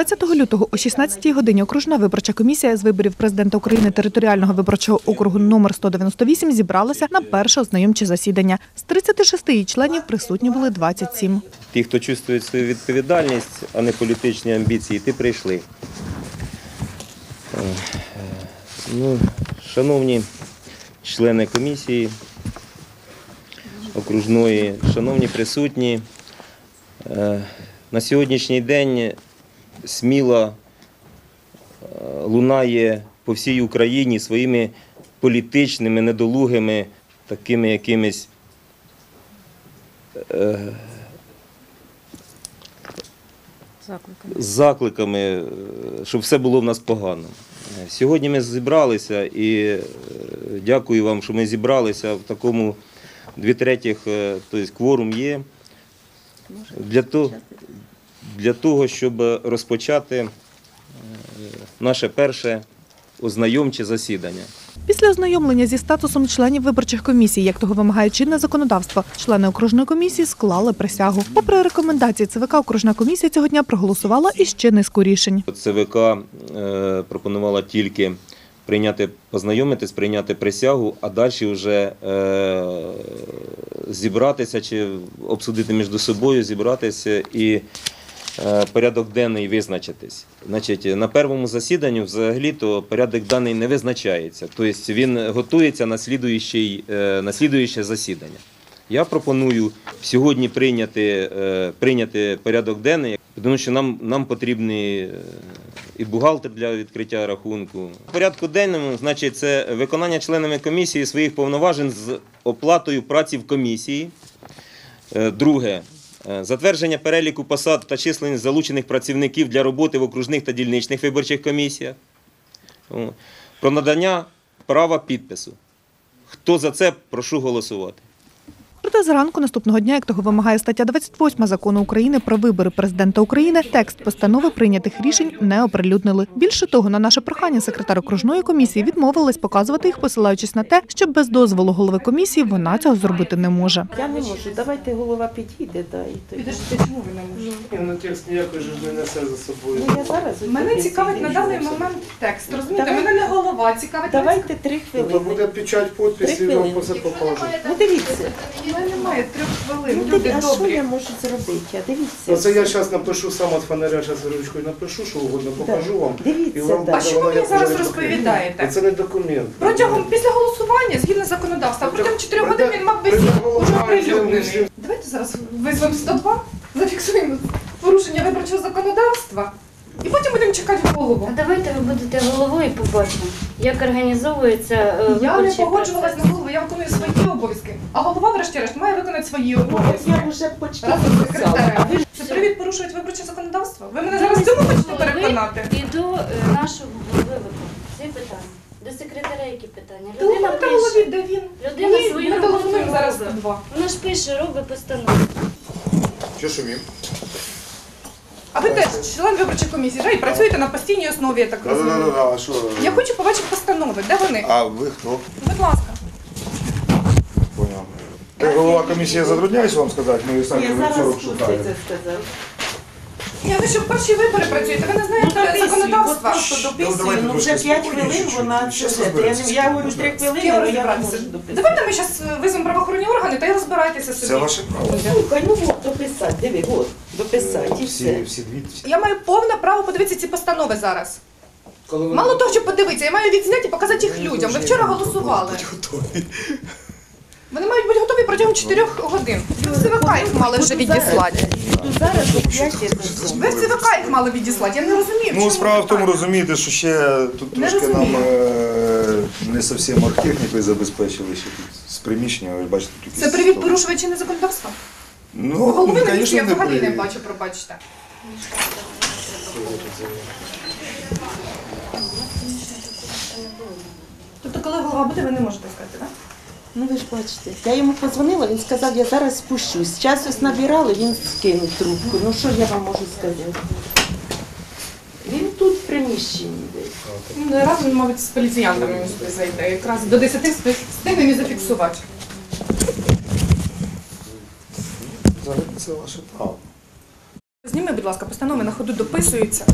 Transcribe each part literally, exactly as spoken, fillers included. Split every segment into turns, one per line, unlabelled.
двадцятого лютого о шістнадцятій годині окружна виборча комісія з виборів президента України територіального виборчого округу номер сто дев'яносто вісім зібралася на перше ознайомче засідання. З тридцяти шести її членів присутні були двадцять сім.
Ті, хто чувствує свою відповідальність, а не політичні амбіції, ті прийшли. Ну, шановні члени комісії окружної, шановні присутні, на сьогоднішній день сміло лунає по всій Україні своїми політичними, недолугими, такими якимись е, закликами. закликами, щоб все було в нас погано. Сьогодні ми зібралися і дякую вам, що ми зібралися в такому дві третіх, тобто кворум є, для того, для того, щоб розпочати наше перше ознайомче засідання.
Після ознайомлення зі статусом членів виборчих комісій, як того вимагає чинне законодавство, члени окружної комісії склали присягу. Попри рекомендації ЦВК, окружна комісія цього дня проголосувала іще низку рішень.
ЦВК е, пропонувала тільки прийняти, познайомитись, прийняти присягу, а далі вже е, зібратися чи обсудити між собою, зібратися і е, порядок денний визначитись. Значить, на першому засіданні взагалі-то порядок денний не визначається, тобто він готується на слідуюче, е, на слідуюче засідання. Я пропоную сьогодні прийняти, е, прийняти порядок денний, тому що нам, нам потрібний і бухгалтер для відкриття рахунку. В порядку денному, значить, це виконання членами комісії своїх повноважень з оплатою праці в комісії. Друге, затвердження переліку посад та численність залучених працівників для роботи в окружних та дільничних виборчих комісіях. Про надання права підпису. Хто за це, прошу голосувати.
Проте зранку наступного дня, як того вимагає стаття двадцять восьма Закону України про вибори президента України, текст постанови прийнятих рішень не оприлюднили. Більше того, на наше прохання секретар окружної комісії відмовилась показувати їх, посилаючись на те, що без дозволу голови комісії вона цього зробити не може.
Я не можу. Давайте голова підійде, да, і тоді.
Підожди, чому ви не можете?
Ну, текст ніякої ж не несе за собою.
Ну, я зараз
Мене цікавить на даний момент текст, розумієте?
Давай.
Мене не голова цікавить.
Давайте три
Ну, то
хвилини.
буде печать, підпис, і вам все покажуть.
Ну, дивіться.
У мене немає трьох хвилин,
Ну,
люди
а що
добрі.
я можу зробити? А дивіться.
Оце я зараз напишу сам від фонаря, зараз ручкою напишу, що угодно, покажу вам.
Дивіться,
І вам
да.
А що ви
воно
мені
як
зараз
вже
розповідаєте?
Це не документ.
Протягом, після голосування, згідно законодавства, протягом чотирьох годин він мав висіти, уже оприлюднений. Давайте зараз визвемо сто два, зафіксуємо порушення виборчого законодавства і потім будемо чекати голову.
А давайте ви будете головою і побачимо, як організовується е,
Я не
виборчий
погоджувалась
процес.
на голову, я виконую свої обов'язки. А голова, врешті-решт, має виконати свої
Ну,
обов'язки.
я вже почти
Разом з
написала. А
секретарем.
ви ж
Це привід порушують виборче законодавство? Ви мене зараз в цьому хочете переконати?
І до е, нашого вибору. Ці питання. До секретаря які питання? Людина
Телефон та голові,
пише.
де він?
Людина
Ні,
свою
ми
роботу
телефонуємо зараз
робить.
два.
Вона ж пише, робить постанову.
Що шумів?
А ви теж член виборчої комісії, да? І працюєте на постійній основі, я так розумію.
Да-да-да, а що?
Я хочу побачити постанови. Де вони?
А ви хто?
Будь ласка.
Поняв. Ти голова комісії затрудняюсь вам сказати, ми самі
Я зараз
сорок шукаємо.
це сказав.
Ні, ви що в перші вибори працюєте, ви не знаєте законодавства.
Просто
Ну,
дописую,
давайте
ну вже
трошки
п'ять
спокійніше,
хвилин
чуть-чуть.
вона
Щас
це. Я,
розберемося.
я говорю три
З
хвилини,
ким
але я не
розбиратися?
можу дописати.
Давайте ми зараз визвемо правоохоронні органи та й розбирайтеся собі.
Це ваше право.
Слухай, ну от, дописати, диви, от, дописати і
Всі,
все.
всі дві.
Я маю повне право подивитися ці постанови зараз.
Коли ви-
Мало того, що подивитися, я маю відзняти і показати їх людям. Ви вчора голосували. Вони мають бути готові протягом чотирьох годин. Ви в ЦВК їх мали вже відіслати.
Буду зараз оп'ять
Ви в ЦВК їх мали відіслати, я не розумію. в
Ну,
чому
справа в тому,
питання.
розумієте, що ще тут
Не
трошки нам
розумію.
е, не зовсім оргтехнікою забезпечили ще тут з приміщення, ви бачите, тут
Це
якісь
привід
столи.
порушувати чинне законодавство?
Ну,
Голови на місці
звісно,
я
не
взагалі не
привід.
бачу, пробачте. Тобто, коли голова буде, ви не можете сказати, так?
Ну ви ж бачите, я йому подзвонила, він сказав, я зараз спущусь. Час ось набирали, він скинув трубку. Ну що ж я вам можу сказати? Він тут в приміщенні десь.
Ну, раз він, мабуть, з поліціянтами сюди зайде. Якраз до десяти встигнемо і зафіксувати.
Взагалі це ваше право.
Зніми, будь ласка, постанови на ходу дописуються.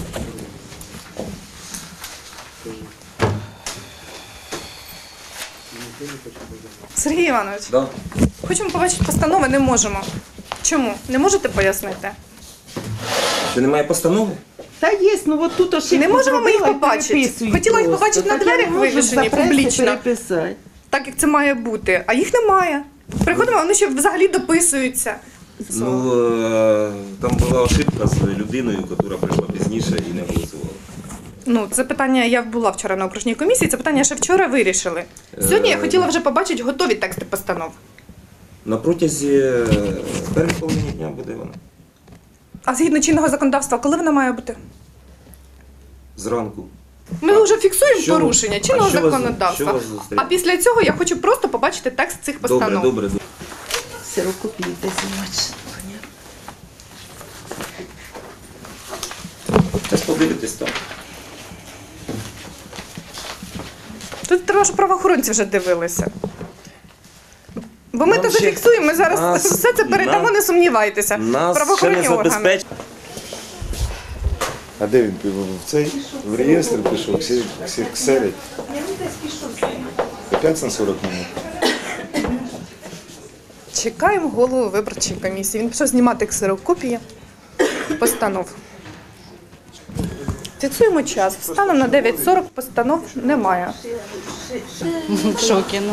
Сергій Іванович,
Да.
хочемо побачити постанови, не можемо. Чому? Не можете пояснити?
Що немає постанови?
Та є, ну от тут ошибку
Не можемо ми їх
зробила і
побачити.
переписують
Хотіла їх
просто.
побачити на
Так я
дверях
не можу
вивішені
запрести,
публічно.
переписати.
Так, як це має бути. А їх немає. Приходимо, вони ще взагалі дописуються.
Ну, е, там була ошибка з людиною, яка прийшла пізніше і не голосувала.
Ну, це питання, я була вчора на окружній комісії, це питання ще вчора вирішили. Сьогодні я хотіла вже побачити готові тексти постанов.
На протязі е, першої половини дня буде вона.
А згідно чинного законодавства, коли вона має бути?
Зранку.
Ми вже фіксуємо
Що ви-
порушення
а
чинного
що вас-
законодавства.
що вас зустріне?
А після цього я хочу просто побачити текст цих постанов.
Добре, добре, добре.
Сирокопії де знімати.
Зараз подивитись там.
Тут треба, щоб правоохоронці вже дивилися. Бо ми
Нам
то
ще-
зафіксуємо, ми зараз
нас-
все це передамо,
нам-
не сумнівайтеся.
Нас ще
Правоохоронні
не
органи.
забезпечить.
А де він в цей? В реєстр пішов, всі, всі ксерить. Опять на сорок минут.
Чекаємо голову виборчої комісії. Він пішов знімати ксерокопії постанов. Фіксуємо час. Станом на дев'ять сорок постанов немає.
В шокі,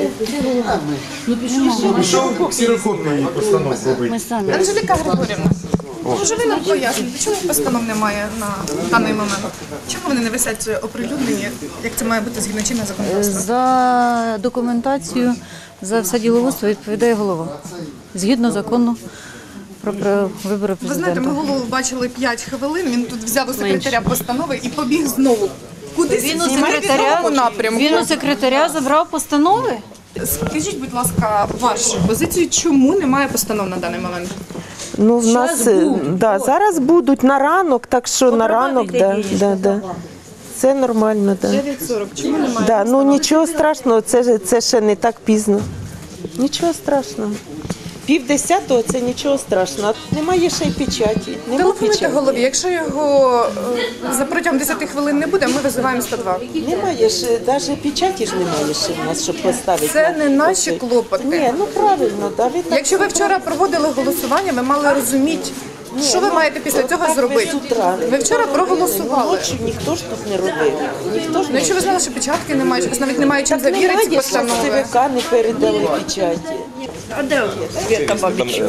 ну.
Пішов ксерокопії постанов робити.
Ми самі.
Анжеліка Григорівна, може ви нам поясните, чому постанов немає на даний момент? Чому вони не висять оприлюднені, як це має бути згідно чинного законодавства?
За документацію, за все діловодство відповідає голова. Згідно закону про, про вибори
Ви знаєте, ми
президента.
голову бачили п'ять хвилин, він тут взяв у секретаря постанови і побіг знову. Кудись
Він у
в невідомому напрямку.
Він у секретаря забрав постанови?
Скажіть, будь ласка, вашу позицію, чому немає постанов на даний момент?
Ну, в
Щас
нас
будуть,
да,
от.
зараз будуть на ранок, так що на ранок, да,
Потрапити
да, да. Це нормально, да.
дев'ять сорок, чому немає?
Да, ну нічого страшного, це, ж- це ще не так пізно. Нічого страшного. Пів десятого це нічого страшного. Немає ще й печаті. Нема
Телефонуйте
печаті.
голові, якщо його е, за протягом десяти хвилин не буде, ми визиваємо сто два.
Немає ж, навіть печаті ж немає ще в нас, щоб поставити.
Це
на-
не наші
оцей.
клопоти.
Ні, ну правильно, да, ви так.
Якщо ви вчора проводили голосування, ви мали розуміти, що ви маєте після цього
Так
зробити.
з утра.
Ви вчора проголосували.
Ночі ніхто ж тут не робив. Ніхто ж
Ну, якщо ви знали, що печатки немає, що у вас навіть немає чим
так
завірити ці
немає, що
постанови.
ЦВК не передали печаті.
А де Свята Бабіч?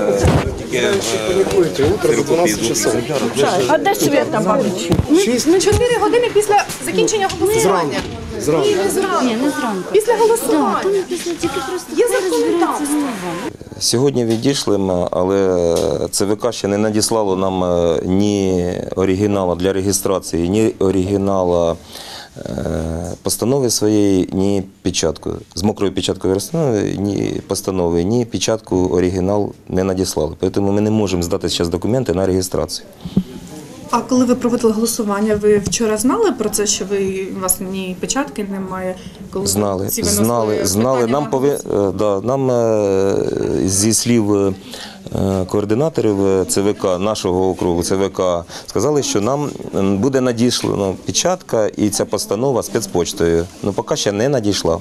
Паникуєте, утро за дванадцять часов.
А де Свята Бабіч? Ну, чотири години після закінчення голосування.
Зранку.
Ні, не зранку.
Ні, не зранку.
Після голосування.
Після тільки просто
Є законодавство.
Сьогодні відійшли ми, але ЦВК ще не надіслало нам е, ні оригіналу для реєстрації, ні оригінала е, постанови своєї, ні печатку. З мокрою печаткою розстанови, ні постанови, ні печатку оригінал не надіслали. Тому ми не можемо здати зараз документи на реєстрацію.
А коли ви проводили голосування, ви вчора знали про це, що ви у вас ні печатки немає? Коли
Знали,
ці виносили
знали, знали.
питання
Нам,
на
пови...
голосування?
е, да, нам е, зі слів е, координаторів е, ЦВК, нашого округу ЦВК, сказали, що нам буде надішлена печатка і ця постанова спецпочтою. Ну, поки ще не надійшла.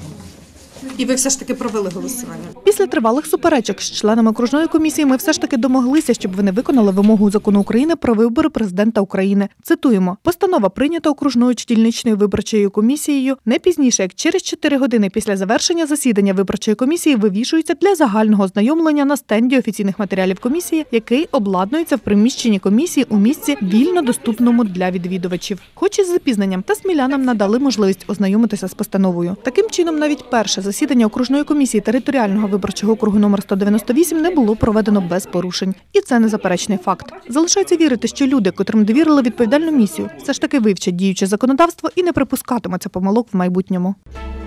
І ви все ж таки провели голосування?
Після тривалих суперечок з членами окружної комісії ми все ж таки домоглися, щоб вони виконали вимогу закону України про вибори президента України. Цитуємо: постанова прийнята окружною чи дільничною виборчою комісією не пізніше, як через чотири години після завершення засідання виборчої комісії вивішується для загального ознайомлення на стенді офіційних матеріалів комісії, який обладнується в приміщенні комісії у місці вільно доступному для відвідувачів. Хоч із запізненням, та смілянам надали можливість ознайомитися з постановою. Таким чином, навіть перше засідання окружної комісії територіального виборчого округу номер сто дев'яносто вісім не було проведено без порушень. І це незаперечний факт. Залишається вірити, що люди, котрим довірили відповідальну місію, все ж таки вивчать діюче законодавство і не припускатимуться помилок в майбутньому.